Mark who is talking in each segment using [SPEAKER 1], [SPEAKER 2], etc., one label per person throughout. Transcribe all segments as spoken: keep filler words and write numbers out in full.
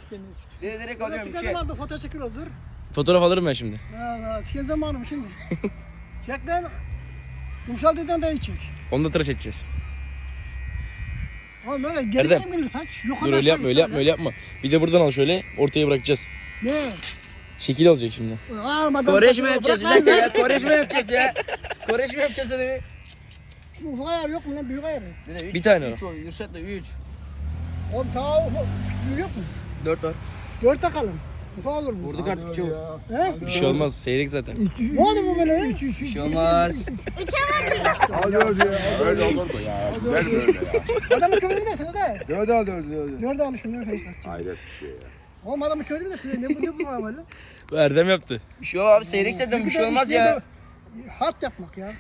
[SPEAKER 1] beni.
[SPEAKER 2] Dede direkt alıyorum üçe.
[SPEAKER 1] Tükendim aldım fotoğraf çekiyoruz dur.
[SPEAKER 3] Fotoğraf alırım ben şimdi.
[SPEAKER 1] Ha ha tüken zamanım şimdi. Çek lan. Kumsal deden de iyi çek.
[SPEAKER 3] Onu da tıraş edeceğiz.
[SPEAKER 1] Oğlum böyle geri
[SPEAKER 3] Erdem.
[SPEAKER 1] geri gelir saç. Yok
[SPEAKER 3] Dur öyle yapma öyle yapma öyle yapma. Bir de buradan al şöyle ortaya bırakacağız.
[SPEAKER 1] Ne?
[SPEAKER 3] Şekil alacak şimdi.
[SPEAKER 1] Almadan
[SPEAKER 2] Koreşme yapacağız bir dakika ya. Koreşme yapacağız ya. Koreşme yapacağız dedi.
[SPEAKER 1] Şu ufak ayar yok mu lan büyük ayar?
[SPEAKER 2] Dede üç.
[SPEAKER 3] Bir tane
[SPEAKER 2] üç o. Yırşat da üç.
[SPEAKER 1] Oğlum ta ufak büyük yok mu?
[SPEAKER 2] Dört var.
[SPEAKER 1] Dört takalım. Ufak olur mu?
[SPEAKER 2] Vurduk artık üçe vur.
[SPEAKER 1] He?
[SPEAKER 3] Bir şey olmaz seyrek zaten.
[SPEAKER 1] Ne oldu bu böyle? Üç üç
[SPEAKER 2] Bir
[SPEAKER 1] üç.
[SPEAKER 2] şey olmaz.
[SPEAKER 4] Hadi öyle ya. Öyle olur mu ya? Ver böyle ya.
[SPEAKER 1] Adamı kıvırır mısın hadi?
[SPEAKER 4] Dört al dört dört.
[SPEAKER 1] Dört almışım ne kadar saçma.
[SPEAKER 4] Hayret bir şey ya.
[SPEAKER 1] Oğlum adamı kıvırır mısın? Ne bu ne bu var böyle?
[SPEAKER 3] Bu Erdem yaptı.
[SPEAKER 2] Bir şey yok abi seyrek zaten bir şey olmaz ya.
[SPEAKER 1] Hat yapmak ya.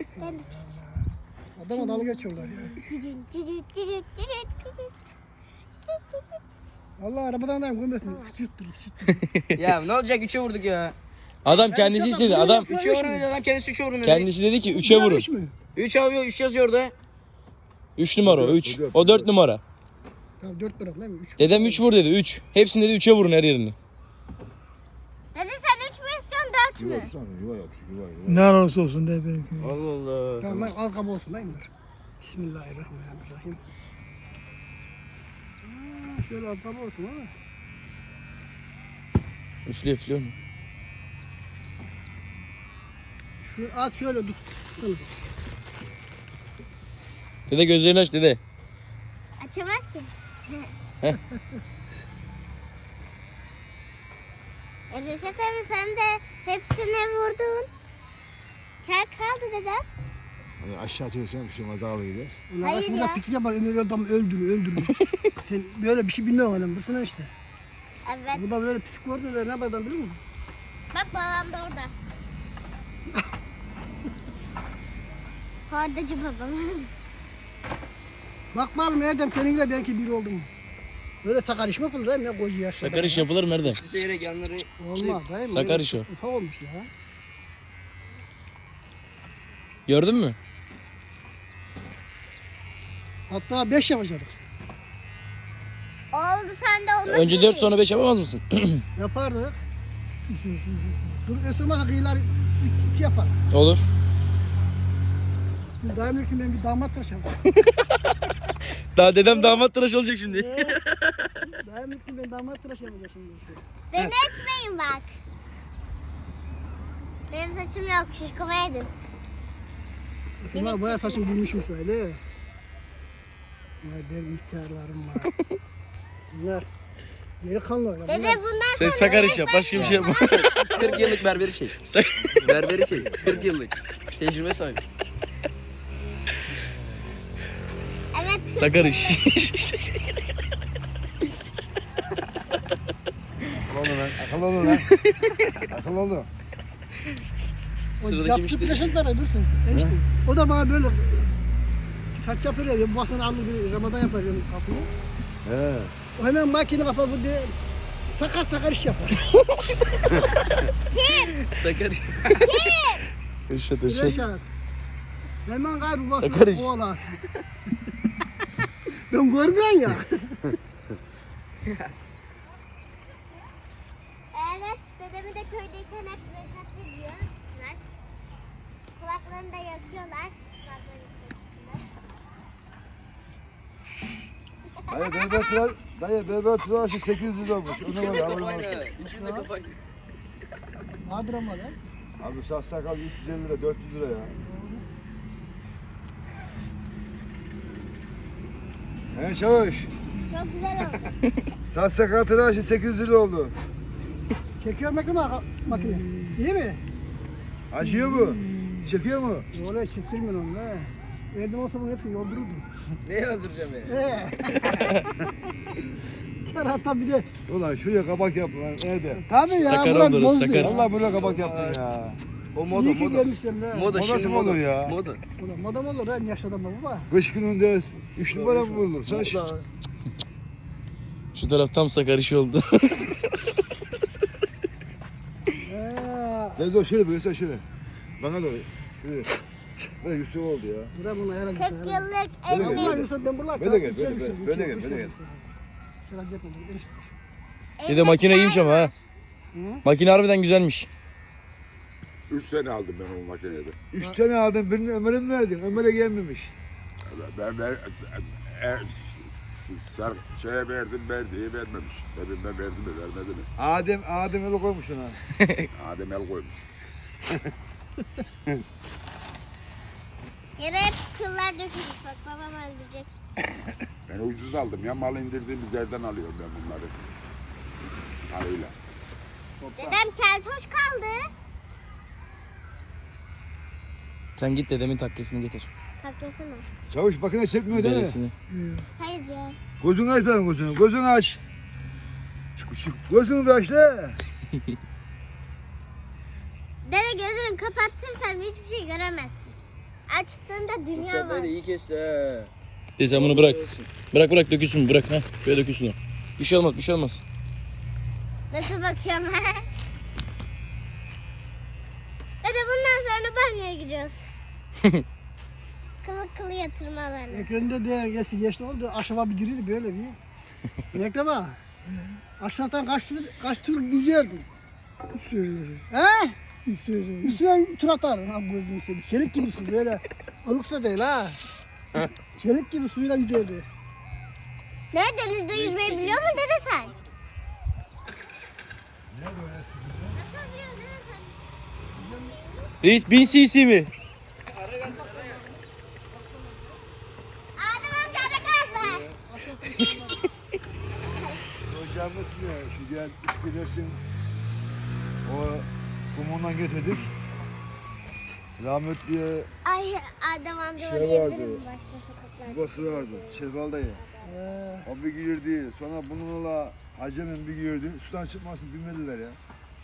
[SPEAKER 1] Adama dalga geçiyorlar ya. Vallahi arabadan da görmesin. Sıçırttır sıçırttır.
[SPEAKER 2] Ya ne olacak üçe vurduk ya.
[SPEAKER 3] Adam kendisi istedi. Adam
[SPEAKER 2] Üçe vurun dedi adam kendisi üçe vurun dedi.
[SPEAKER 3] kendisi dedi ki üçe vurun.
[SPEAKER 1] Üç mü?
[SPEAKER 2] Üç alıyor üç yazıyor orada.
[SPEAKER 3] üç numara o üç. O dört numara.
[SPEAKER 1] Tamam dört bırak lan. Üç.
[SPEAKER 3] Dedem üç vur dedi üç. Hepsini dedi üçe vurun her yerini.
[SPEAKER 5] Dede sen üç mü istiyorsun dört mü?
[SPEAKER 4] Yuva tutsana yuva yap. Yuva yuva.
[SPEAKER 1] Ne olursa olsun de benimki.
[SPEAKER 2] Allah Allah.
[SPEAKER 1] Tamam lan arkam olsun lan bunlar. Bismillahirrahmanirrahim. Aa, şöyle arkam olsun ha.
[SPEAKER 3] Üflüyor üflüyor mu?
[SPEAKER 1] Şu at şöyle dur. Tamam.
[SPEAKER 3] Dede gözlerini aç dede.
[SPEAKER 5] Açamaz ki.
[SPEAKER 3] Heh.
[SPEAKER 5] E Reşat abi sen de hepsine vurdun. Kel kaldı dedem.
[SPEAKER 4] Hani aşağı atıyorsan bir şey olmaz daha iyi.
[SPEAKER 1] Ulan
[SPEAKER 5] Hayır
[SPEAKER 1] aslında
[SPEAKER 5] ya.
[SPEAKER 1] pikniğe bak Ömer adam öldürüyor öldürüyor. Sen böyle bir şey bilmiyorsun oğlum. Bursana işte.
[SPEAKER 5] Evet.
[SPEAKER 1] Bu da böyle psikopat ne yapar biliyor musun?
[SPEAKER 5] Bak babam da orada. Hordacı babam.
[SPEAKER 1] Bak bakalım Erdem seninle belki biri oldu mu? Böyle sakar iş mi yapılır değil mi ya koca yaşta?
[SPEAKER 3] Sakar iş yapılır mı Erdem?
[SPEAKER 2] Seyrek yanları.
[SPEAKER 1] Olmaz değil mi?
[SPEAKER 3] Sakar iş o.
[SPEAKER 1] Ufak olmuş ya.
[SPEAKER 3] Gördün mü?
[SPEAKER 1] Hatta beş yapacaktık.
[SPEAKER 5] Oldu sen de onu
[SPEAKER 3] Önce dört sonra beş yapamaz mısın?
[SPEAKER 1] Yapardık. Dur ötürmezse kıyılar üç, iki yapar.
[SPEAKER 3] Olur.
[SPEAKER 1] Şimdi daim ki ben bir damat tıraş yapacağım.
[SPEAKER 3] Daha dedem damat tıraş olacak şimdi.
[SPEAKER 1] Daim ki ben damat tıraş yapacağım şimdi işte.
[SPEAKER 5] Beni etmeyin bak. Benim saçım yok şişkoma edin.
[SPEAKER 1] Bunlar bayağı saçım büyümüşmüş öyle. Vay benim ihtiyarlarım var. Bunlar delikanlı. ya,
[SPEAKER 5] Dede
[SPEAKER 1] bunlar-
[SPEAKER 5] bundan
[SPEAKER 3] Sen
[SPEAKER 5] sonra
[SPEAKER 3] sakar iş yap başka bir şey yapma.
[SPEAKER 2] kırk yıllık berberi çek. Berberi çek. kırk yıllık. Tecrübe sahibi.
[SPEAKER 5] Evet.
[SPEAKER 3] Sakar iş.
[SPEAKER 4] Akıllı olun lan. Akıllı olun lan. Akıllı olun.
[SPEAKER 1] O
[SPEAKER 2] Sıradaki
[SPEAKER 1] yaptığı
[SPEAKER 2] müşteri.
[SPEAKER 1] tıraşınlara dursun. Enişte. O da bana böyle saç yapıyor ya. Bu baktan alır bir Ramazan yapar yani kafayı.
[SPEAKER 4] He.
[SPEAKER 1] O hemen makine kapar bu diye sakar sakar iş yapar.
[SPEAKER 2] Sakar.
[SPEAKER 3] Irşat ırşat.
[SPEAKER 1] Reşat. Hemen gayrı bu
[SPEAKER 3] Sakar iş.
[SPEAKER 1] oğlan. Ben görmüyorsun ya.
[SPEAKER 5] Evet, dedemi de köydeyken hep Reşat diyor. Tıraş. Kulaklarını da yakıyorlar. Kulaklarını çıkartıyorlar.
[SPEAKER 4] Dayı berber tıraş. Dayı berber tıraşı sekiz yüz lira olmuş. Ona var haberin olsun.
[SPEAKER 2] İçinde kafayla.
[SPEAKER 1] Vardır ama lan.
[SPEAKER 4] Abi saç sakal üç yüz elli lira dört yüz lira ya. He çavuş.
[SPEAKER 5] Çok güzel oldu.
[SPEAKER 4] Saç sakal tıraşı sekiz yüz lira oldu.
[SPEAKER 1] Çekiyor makine makine. İyi mi?
[SPEAKER 4] Acıyor mu? Çekiyor mu?
[SPEAKER 1] Oraya çektirmiyor onu ha. Erdem olsa bunu hepsini yoldururdum.
[SPEAKER 2] Neyi öldüreceğim ya?
[SPEAKER 1] Eee. Hatta bir de.
[SPEAKER 4] Ulan şuraya kabak yap lan nerede?
[SPEAKER 1] Tabii ya.
[SPEAKER 3] Sakar
[SPEAKER 1] burak
[SPEAKER 3] oluruz,
[SPEAKER 1] bozdu.
[SPEAKER 3] sakar.
[SPEAKER 4] Vallahi böyle kabak yaptın ya.
[SPEAKER 2] O moda
[SPEAKER 1] İyi ki
[SPEAKER 2] moda.
[SPEAKER 1] gelmişsin ha.
[SPEAKER 2] Moda
[SPEAKER 4] Modası
[SPEAKER 2] şimdi
[SPEAKER 4] mı olur
[SPEAKER 2] moda.
[SPEAKER 4] ya?
[SPEAKER 2] Moda.
[SPEAKER 1] Ulan madam olur ha yaşlı adam baba.
[SPEAKER 4] Kış gününde üç numara mı vurulur? Saç.
[SPEAKER 2] Moda.
[SPEAKER 3] Şu taraf tam sakar iş oldu.
[SPEAKER 1] Eee.
[SPEAKER 4] Deniz o şöyle böyle şöyle. Bana doğru. Şöyle. Böyle Yusuf oldu ya.
[SPEAKER 1] Bırak bunu ayağına
[SPEAKER 5] kırk
[SPEAKER 1] git.
[SPEAKER 5] yıllık
[SPEAKER 4] Böyle
[SPEAKER 1] Allah
[SPEAKER 5] evli.
[SPEAKER 1] Yusuf ben buralar.
[SPEAKER 4] Böyle gel, böyle, böyle, böyle gel, böyle gel.
[SPEAKER 1] Sıra cep olur. Enişte.
[SPEAKER 3] Dede makine iyiymiş ama ha.
[SPEAKER 1] Hı?
[SPEAKER 3] Makine harbiden güzelmiş.
[SPEAKER 6] Üç sene aldım ben o makinede.
[SPEAKER 4] Üç tane aldım. Birini Ömer'e mi verdin? Ömer'e gelmemiş.
[SPEAKER 6] Ben, ben e, sar şeye verdim verdiği vermemiş. Dedim ben verdim mi vermedi mi?
[SPEAKER 4] Adem, Adem el koymuş ona.
[SPEAKER 6] Adem el koymuş.
[SPEAKER 5] Yere hep kıllar dökülmüş bak babam öldürecek.
[SPEAKER 6] Ben ucuz aldım ya mal indirdiğimiz yerden alıyorum ben bunları. Parayla.
[SPEAKER 5] Dedem keltoş kaldı.
[SPEAKER 3] Sen git dedemin takkesini getir.
[SPEAKER 5] Takkesini.
[SPEAKER 4] Çavuş makine çekmiyor değil mi?
[SPEAKER 3] Dedesini.
[SPEAKER 5] Hayır ya.
[SPEAKER 4] Gözünü aç benim gözünü. Gözünü aç. Şu, şu gözünü bir aç la.
[SPEAKER 5] Dede gözünü kapatırsan hiçbir şey göremezsin. Açtığında dünya var.
[SPEAKER 2] iyi kesti he.
[SPEAKER 3] Dede sen bunu bırak. Bırak bırak dökülsün bırak. Heh, böyle dökülsün o. Bir şey olmaz bir şey olmaz.
[SPEAKER 5] Nasıl bakıyorum? Dede bundan sonra banyoya gidiyoruz. Kılı kılı yatırmalarına.
[SPEAKER 1] Ekrem'de de geçti, geçti oldu. Aşağı bir girdi böyle bir. Ekrem'e. Aşağıdan kaç tur, kaç tur yüzerdi. He? Üstüne tur atar. Ha bu gözünü seveyim. Çelik gibi su böyle. Ilıksa değil ha. Çelik gibi suyla yüzerdi.
[SPEAKER 5] Ne denizde yüzmeyi biliyor mu dede sen? Nasıl biliyorsun dede sen?
[SPEAKER 3] Reis bin cc mi?
[SPEAKER 5] Adem amca ara gaz ver.
[SPEAKER 4] Hocam nasıl ya? Şu gel üst o kumundan getirdik. Rahmetliye
[SPEAKER 5] Ay Adem amca
[SPEAKER 4] Şey
[SPEAKER 5] oraya
[SPEAKER 4] vardı.
[SPEAKER 5] gelir mi başka sokaklarda?
[SPEAKER 4] babası vardı. Şevval dayı.
[SPEAKER 1] Ee,
[SPEAKER 4] O bir girdi. Sonra bununla Hacemen bir girdi. Sudan çıkmasın bilmediler ya.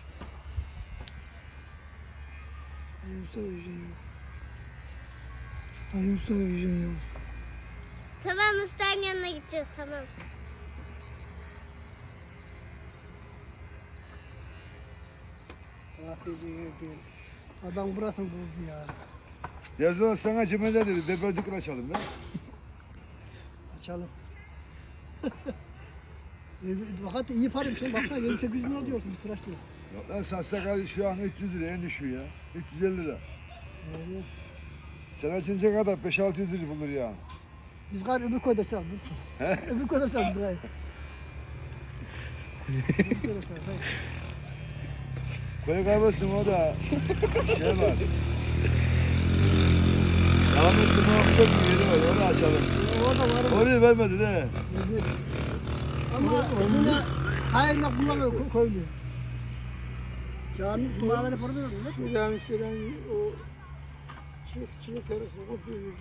[SPEAKER 5] Tamam Usta'nın yanına gideceğiz tamam.
[SPEAKER 1] ah bizi yedi. Adam burasını buldu ya.
[SPEAKER 4] Yazılan sana Cemal'e dedi. Deber dükkan açalım ya.
[SPEAKER 1] Açalım. e, fakat iyi para bir şey. Baksana yedi sekiz bin lira diyorsun bir tıraş diyor.
[SPEAKER 4] Yok lan satsak şu an üç yüz lira en düşüğü ya. üç yüz elli lira.
[SPEAKER 1] Yani,
[SPEAKER 4] Sen açınca kadar beş altı yüz lira bulur ya.
[SPEAKER 1] biz gari öbür koyda çaldık. Öbür koyda çaldık burayı. Öbür koyda çaldık. hayır.
[SPEAKER 4] Koyu kahvesinin o da şey var. Rahmetli muhabbet bir yeri var. Onu açalım.
[SPEAKER 1] Orada var mı?
[SPEAKER 4] Orayı vermedi de.
[SPEAKER 1] Evet. Ama yine hayırla kullanıyor ko- koyuluyor. Cami cumaları para veriyor mu? Cami şeyden o çiçek çiçek arası o böyle.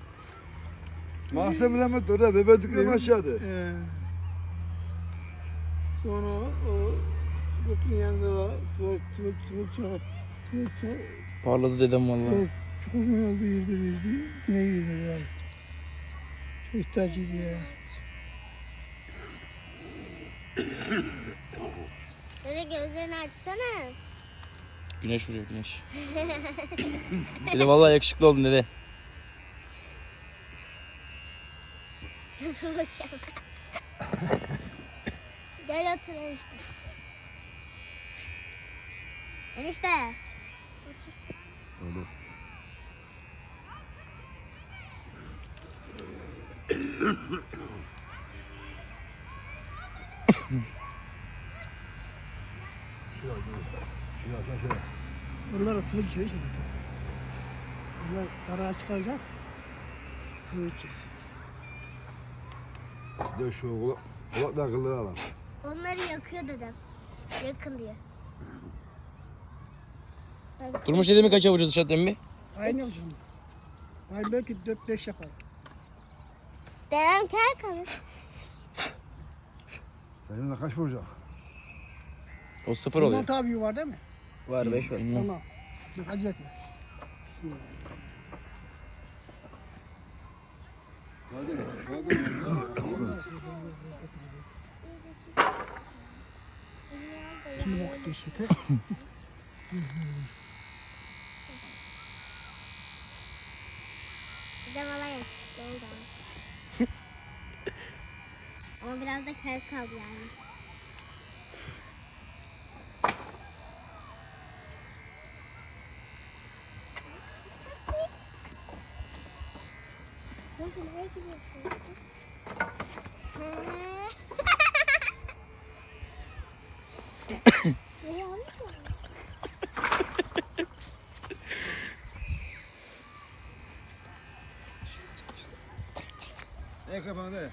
[SPEAKER 4] Mahsen Mehmet orada beber dükkanı aşağıda.
[SPEAKER 1] Ee, sonra o gökün yanında da tuvalet tuvalet tuvalet tuvalet tuvalet
[SPEAKER 3] Parladı dedem vallahi.
[SPEAKER 1] çok uzun oldu yedi yüzdü. Ne yüzdü yani. Çok ihtiyacıydı ya.
[SPEAKER 5] Dede gözlerini açsana.
[SPEAKER 3] Güneş vuruyor güneş. Dede vallahi yakışıklı oldun dede.
[SPEAKER 5] Nasıl bakıyorum? Gel otur enişte. Enişte.
[SPEAKER 1] Bunlar full çay içmedi. Bunlar kara çıkaracak. Full içecek.
[SPEAKER 4] De şu kulak, kulakla akılları alalım.
[SPEAKER 5] Onları yakıyor dedem. Yakın diyor.
[SPEAKER 3] Durmuş dedemi kaça vuracağız dışarıda emmi?
[SPEAKER 1] Aynı olsun. Aynı belki dört beş yapar.
[SPEAKER 5] Dedem kel kalır.
[SPEAKER 4] Seninle kaç vuracak?
[SPEAKER 3] O sıfır
[SPEAKER 1] Bundan
[SPEAKER 3] oluyor.
[SPEAKER 1] tabi var değil mi?
[SPEAKER 2] Var beş var.
[SPEAKER 3] Bilmem.
[SPEAKER 1] Tamam. Çok acele etme. Şimdi vakit geçti.
[SPEAKER 5] Dedem alay yakışıklı oldu ama. Ama biraz da kel kaldı yani. gidiyorsunuz? He. Ne yanlış mı?
[SPEAKER 4] Ne kapandı?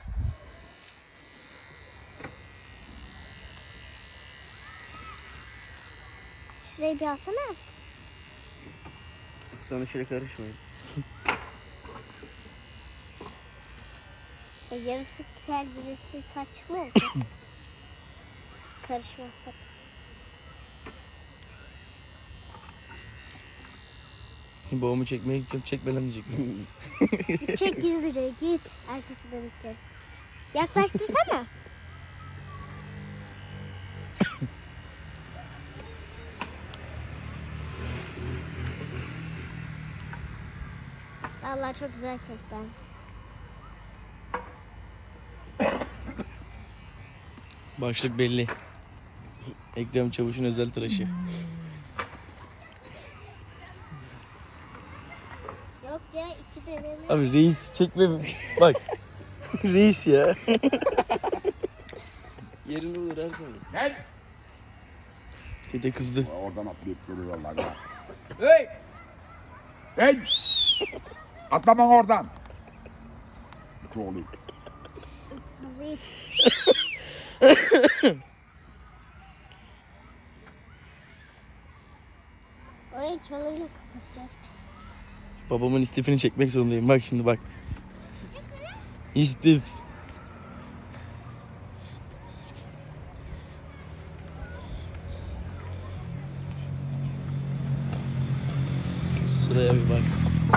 [SPEAKER 5] Şurayı bir alsana.
[SPEAKER 2] Sonra şöyle karışmayın.
[SPEAKER 5] E, yarısı kel, birisi saç mı olacak? Karışmazsak.
[SPEAKER 3] Babamı çekmeye gideceğim. Çekme lan diyecek.
[SPEAKER 5] Çek gizlice git. Arkası dönükçe. Yaklaştırsana. Vallahi çok güzel kesti.
[SPEAKER 3] Başlık belli. Ekrem Çavuş'un özel tıraşı.
[SPEAKER 5] Yok ya iki deneme.
[SPEAKER 3] Abi reis çekme. Bak. Reis ya.
[SPEAKER 2] Yerini bulur her zaman.
[SPEAKER 6] Gel.
[SPEAKER 3] Dede kızdı.
[SPEAKER 6] Oradan atlayıp duruyorlar ya.
[SPEAKER 2] Hey!
[SPEAKER 6] Hey! Atlaman oradan. Çoğulu.
[SPEAKER 5] Evet. Orayı çalıyla kapatacağız.
[SPEAKER 3] Babamın istifini çekmek zorundayım. Bak şimdi bak. İstif. Sıraya bir bak.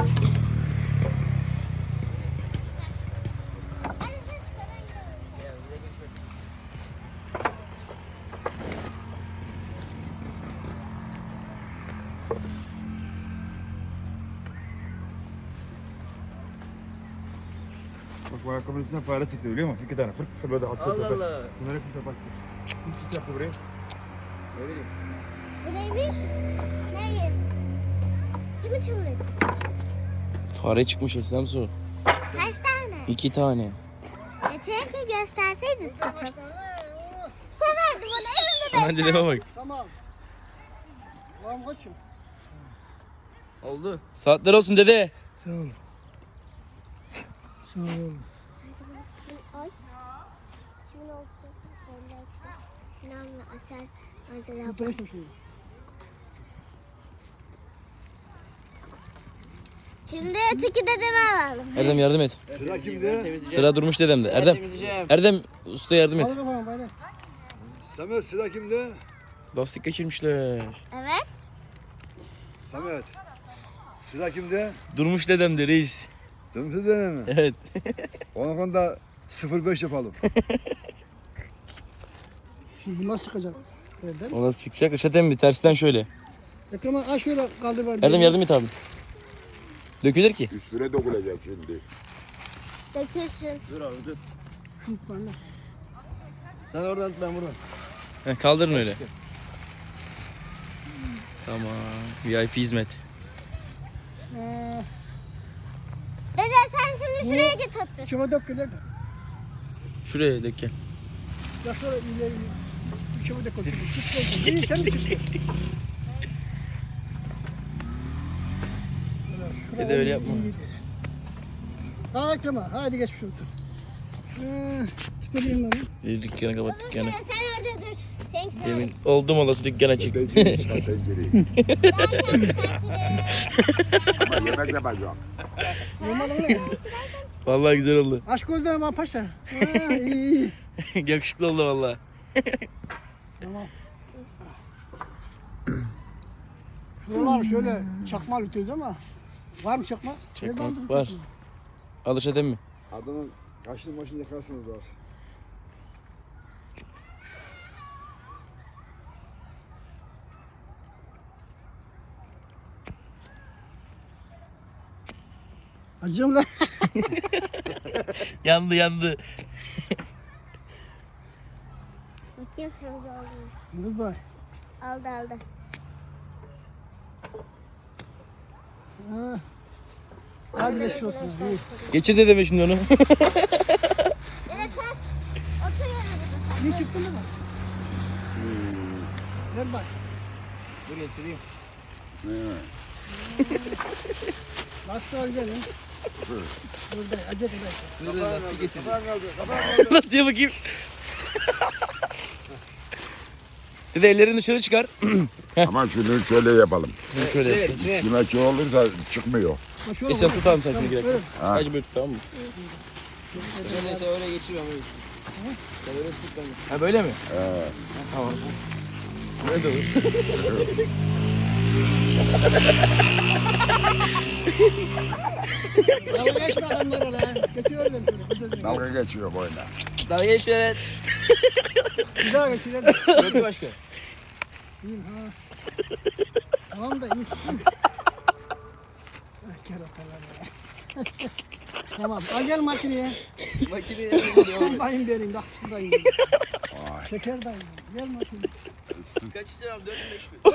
[SPEAKER 4] Bak bu ayakkabının üstünden fare çıktı biliyor musun? İki tane fırt fırt böyle attı.
[SPEAKER 2] Allah Allah.
[SPEAKER 4] Bunları kimse baktı. Kim yaptı burayı?
[SPEAKER 2] Ne bileyim.
[SPEAKER 5] Bu neymiş? Neyi? Kimi çığırıyor?
[SPEAKER 3] Fare çıkmış Eslem Su.
[SPEAKER 5] Kaç tane?
[SPEAKER 3] İki tane.
[SPEAKER 5] Yeter ki gösterseydin tutup. Severdi bunu evimde
[SPEAKER 3] Hemen dedeme bak.
[SPEAKER 1] Tamam. Tamam koçum.
[SPEAKER 2] Oldu.
[SPEAKER 3] Saatler olsun dede.
[SPEAKER 1] Sağ ol. Sağ ol.
[SPEAKER 5] Ay. Kimin oldu? Sinan'la Asel. Mesela
[SPEAKER 1] Fotoğraf şunu.
[SPEAKER 5] şimdi öteki dedemi alalım.
[SPEAKER 3] Erdem yardım et.
[SPEAKER 4] Sıra kimde?
[SPEAKER 3] Sıra durmuş dedemde. Erdem.
[SPEAKER 2] Temizleyeceğim.
[SPEAKER 3] Erdem usta yardım et.
[SPEAKER 1] Al kafana bayram.
[SPEAKER 4] Samet sıra kimde?
[SPEAKER 3] Lastik geçirmişler.
[SPEAKER 5] Evet.
[SPEAKER 4] Samet. Sıra kimde?
[SPEAKER 3] Durmuş dedemde reis.
[SPEAKER 4] Tımsı dene mi?
[SPEAKER 3] Evet.
[SPEAKER 4] Onun konuda sıfır beş yapalım.
[SPEAKER 1] Şimdi nasıl çıkacak? Erdem.
[SPEAKER 3] O nasıl çıkacak? Işat emmi tersten şöyle.
[SPEAKER 1] Ekrem'e aç şöyle kaldır bari.
[SPEAKER 3] Erdem yardım et abi. Dökülür ki.
[SPEAKER 6] Üstüne dökülecek şimdi.
[SPEAKER 5] Dökülsün.
[SPEAKER 2] Dur abi dur.
[SPEAKER 1] Şu bana.
[SPEAKER 2] Sen oradan tut ben buradan.
[SPEAKER 3] Heh, kaldırın öyle. Tamam. V I P hizmet.
[SPEAKER 1] Ee,
[SPEAKER 5] Dede sen şimdi şuraya git otur.
[SPEAKER 1] çöpe dök gelir de.
[SPEAKER 3] Şuraya dök gel.
[SPEAKER 1] Ya şöyle ileri çöpe dök otur. Çıktı olsun. İyi sen mi çıktı?
[SPEAKER 3] Dede öyle yapma.
[SPEAKER 1] Ha Ekrem'e hadi geç şu otur. Ee, çıkarayım ben.
[SPEAKER 3] Bir dükkanı kapat
[SPEAKER 5] Uzun
[SPEAKER 3] dükkanı.
[SPEAKER 5] süre sen orada dur. Sen sen.
[SPEAKER 3] Demin oldum olası dükkan açık.
[SPEAKER 6] Öteci, öteci.
[SPEAKER 5] Zaten
[SPEAKER 6] Ama yemek yapacağım.
[SPEAKER 1] Normal öyle.
[SPEAKER 3] Vallahi güzel oldu.
[SPEAKER 1] Aşk gözlerim ha paşa. Ha, iyi iyi.
[SPEAKER 3] Yakışıklı oldu vallahi.
[SPEAKER 1] Tamam. Şuralar şöyle çakma ütüyoruz ama var mı çakma?
[SPEAKER 3] Çakmak
[SPEAKER 1] Nereden buldun
[SPEAKER 3] var.
[SPEAKER 1] çakmağı?
[SPEAKER 3] Al Işat emmi.
[SPEAKER 4] Adamın kaşını başını yakarsınız var.
[SPEAKER 1] Acıyorum lan.
[SPEAKER 3] Yandı yandı.
[SPEAKER 5] Bakayım temiz oldu mu?
[SPEAKER 1] Dur bay.
[SPEAKER 5] Aldı aldı.
[SPEAKER 1] Ha. Hadi geçmiş olsun. İyi.
[SPEAKER 3] Geçir dedeme şimdi onu.
[SPEAKER 5] Evet kalk. Otur yanımıza.
[SPEAKER 1] İyi çıktı mı? Ver bak.
[SPEAKER 3] Dur getireyim.
[SPEAKER 1] Nasıl var gelin? Burada acele eder.
[SPEAKER 2] Dur dur nasıl geçirdin?
[SPEAKER 3] Nasıl ya bakayım? Dede ellerini dışarı çıkar.
[SPEAKER 6] Ama şunu şöyle yapalım.
[SPEAKER 3] Şöyle.
[SPEAKER 2] İçine ver içine.
[SPEAKER 6] Kime olursa çıkmıyor.
[SPEAKER 1] Ha, şöyle
[SPEAKER 3] E sen
[SPEAKER 1] vur.
[SPEAKER 3] tut abi sen şimdi
[SPEAKER 1] Tamam,
[SPEAKER 3] gerek.
[SPEAKER 1] öyle.
[SPEAKER 6] Ha.
[SPEAKER 3] Sadece böyle tut tamam mı?
[SPEAKER 2] Neyse öyle geçiriyorum öyle. Sen öyle tut ben de.
[SPEAKER 3] Ha böyle mi?
[SPEAKER 6] Ee,
[SPEAKER 3] Tamam. Böyle de olur.
[SPEAKER 1] Dalga geçme adamlar öyle. Geçiyorum şöyle. Bir de-
[SPEAKER 6] dalga geçiyor boyuna.
[SPEAKER 2] Dalga geç böyle.
[SPEAKER 1] Bir daha geçirelim.
[SPEAKER 3] Gördü başka.
[SPEAKER 1] İyiyim ha. Tamam da iyi. Ah, keratalar ya. Tamam al gel makineye.
[SPEAKER 2] Makineye geliyor.
[SPEAKER 1] Bayım vereyim bak şuradayım. Şeker dayım. Gel makineye.
[SPEAKER 2] Kaç istiyor abi? dört mü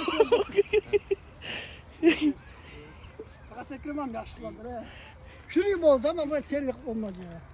[SPEAKER 2] beş mi?
[SPEAKER 1] Fakat Ekrem amca aşklandır he. Şunu gibi oldu ama bu terlik olmaz ya.